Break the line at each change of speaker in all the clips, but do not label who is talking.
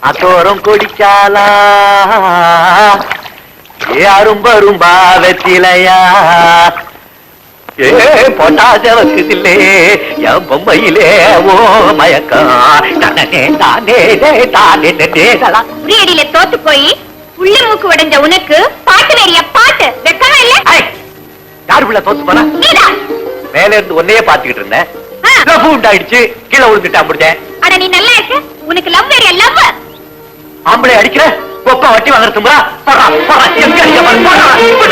அத்தோரம் கொடிச்சாலா ஏ அரும்பரும்பா வெத்திலையா ஏ பொட்டாசவக்குதில்லே என் பொம்மையிலே ஓ மயக்கம் தானே தானே தானே தேதலா
உரியடியில தோத்து போய் உள்ள மூக்கு உடைஞ்ச உனக்கு பாட்டு வேறிய பாட்டு வெக்கமா இல்ல?
யாரு பிள்ளை தோத்து போனா? மேல இருந்து ஒன்னையே பாத்துக்கிட்டு இருந்தேன். உண்டாயிடுச்சு, கீழே விழுந்துட்டா முடிஞ்சேன்.
அட நீ நல்லா இருக்க, உனக்கு லவ் வேறிய லவ்.
ஆம்பளை அடிக்கிற கொப்பா வட்டி வாங்குற தும்பா போறா போறா எங்க அடிக்க போறா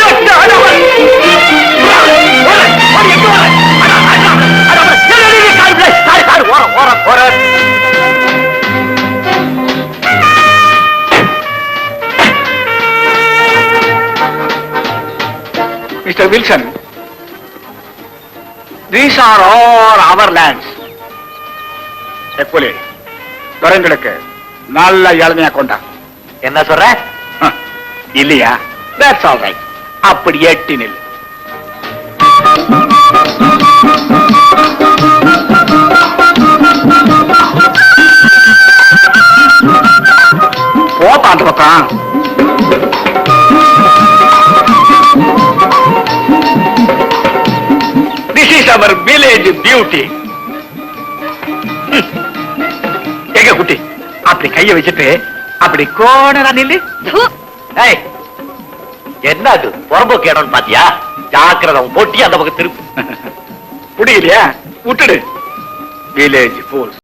Mr. Wilson, these are all our lands. எப்போலே துறைங்களுக்கு நல்ல இளமையா கொண்டா.
என்ன சொல்ற?
இல்லையா? That's all right. அப்படி எட்டி நில். போப்பா அந்த பக்கம். This is our village beauty. எங்க குட்டி அப்படி கைய வச்சுட்டு அப்படி கோணரா நில்லு.
என்ன அது புறம்போ கேடணும் பாத்தியா? ஜாக்கிரதம் போட்டி அந்த பக்கம் திருப்பு.
முடியலையா? விட்டுடு. Village poles.